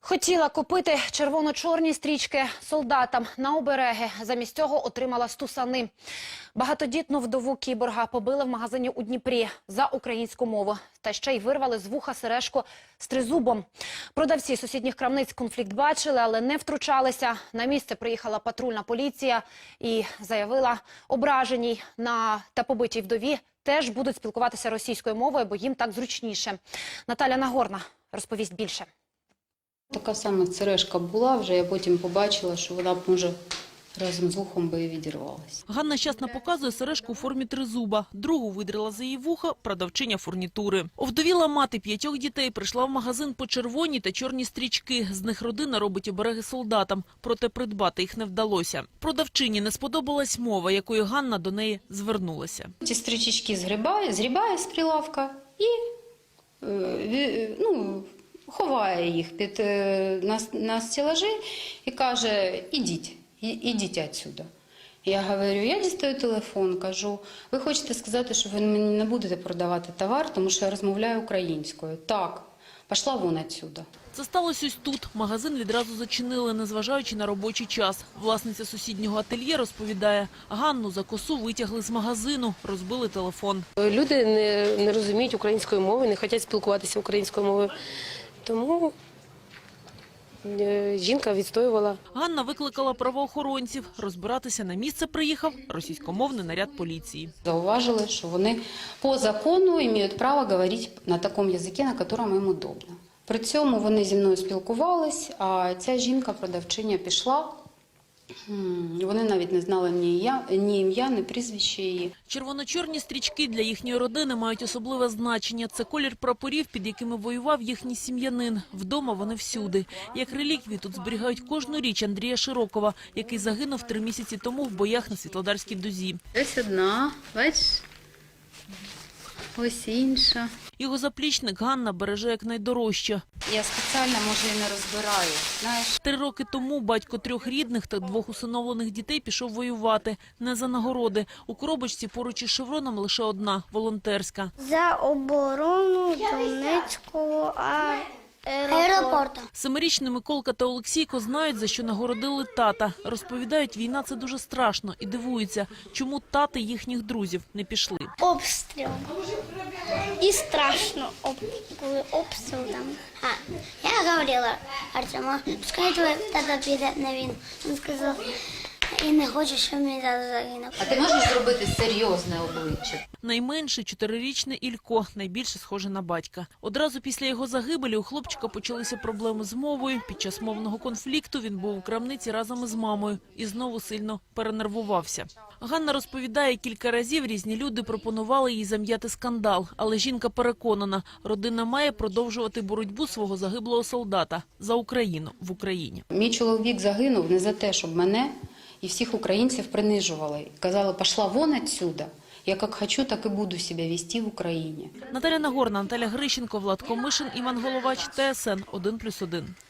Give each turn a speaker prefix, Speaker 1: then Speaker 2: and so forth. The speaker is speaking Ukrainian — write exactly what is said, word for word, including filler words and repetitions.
Speaker 1: Хотіла купити червоно-чорні стрічки солдатам на обереги. Замість цього отримала стусани. Багатодітну вдову кіборга побили в магазині у Дніпрі за українську мову. Та ще й вирвали з вуха сережку з тризубом. Продавці сусідніх крамниць конфлікт бачили, але не втручалися. На місце приїхала патрульна поліція і заявила, ображеній на та побитій вдові теж будуть спілкуватися російською мовою, бо їм так зручніше. Наталя Нагорна розповість більше.
Speaker 2: Така сама сережка була, вже я потім побачила, що вона б, може, разом з вухом би і відірвалася.
Speaker 3: Ганна щасно показує сережку у формі тризуба. Другу видрила за її вуха продавчиня фурнітури. Овдовіла мати п'ятьох дітей прийшла в магазин по червоні та чорні стрічки. З них родина робить обереги солдатам, проте придбати їх не вдалося. Продавчині не сподобалась мова, якою Ганна до неї звернулася.
Speaker 2: Ці стрічечки згрібає, згрібає з прилавка і, ну, ховає їх під, на, на стелажі і каже, ідіть, ідіть відсюди. Я говорю, я дістаю телефон, кажу, ви хочете сказати, що ви мені не будете продавати товар, тому що я розмовляю українською. Так, пішла вон відсюди.
Speaker 3: Це сталося ось тут. Магазин відразу зачинили, незважаючи на робочий час. Власниця сусіднього ательє розповідає, Ганну за косу витягли з магазину, розбили телефон.
Speaker 4: Люди не, не розуміють української мови, не хочуть спілкуватися українською мовою. Тому жінка відстоювала.
Speaker 3: Ганна викликала правоохоронців. Розбиратися на місце приїхав російськомовний наряд поліції.
Speaker 2: Зауважили, що вони по закону мають право говорити на такому язикі, на якому їм удобно. При цьому вони зі мною спілкувались, а ця жінка-продавчиня пішла. Вони навіть не знали ні ім'я, ні ім'я, ні прізвище її.
Speaker 3: Червоно-чорні стрічки для їхньої родини мають особливе значення. Це колір прапорів, під якими воював їхній сім'янин. Вдома вони всюди. Як реліквії тут зберігають кожну річ Андрія Широкова, який загинув три місяці тому в боях на Світлодарській дузі.
Speaker 2: Ось одна, бачиш, ось інша.
Speaker 3: Його заплічник Ганна береже як найдорожче.
Speaker 2: Я спеціально, може, і не розбираю, знаєш.
Speaker 3: Три роки тому батько трьох рідних та двох усиновлених дітей пішов воювати. Не за нагороди. У коробочці поруч із шевроном лише одна – волонтерська.
Speaker 5: За оборону Донецького аеропорту.
Speaker 3: Семирічні Миколка та Олексійко знають, за що нагородили тата. Розповідають, війна – це дуже страшно і дивуються, чому тати їхніх друзів не пішли.
Speaker 5: Обстріл. І страшно, коли обстріл там. А, я говорила Артему, пускай твій тата піде на війну. Він сказав, і не хочу, щоб мій тато загинув.
Speaker 2: А ти можеш зробити серйозне обличчя?
Speaker 3: Найменший чотирирічний Ілько, найбільше схоже на батька. Одразу після його загибелі у хлопчика почалися проблеми з мовою. Під час мовного конфлікту він був у крамниці разом із мамою і знову сильно перенервувався. Ганна розповідає, кілька разів різні люди пропонували їй зам'яти скандал. Але жінка переконана, родина має продовжувати боротьбу свого загиблого солдата за Україну в Україні.
Speaker 2: Мій чоловік загинув не за те, щоб мене і всіх українців принижували. Казали, пішла вон відсюди. Я як хочу, так і буду себе вести в Україні.
Speaker 3: Наталя Нагорна, Наталя Грищенко, Влад Комишин, Іван Головач, Т С Н один плюс один.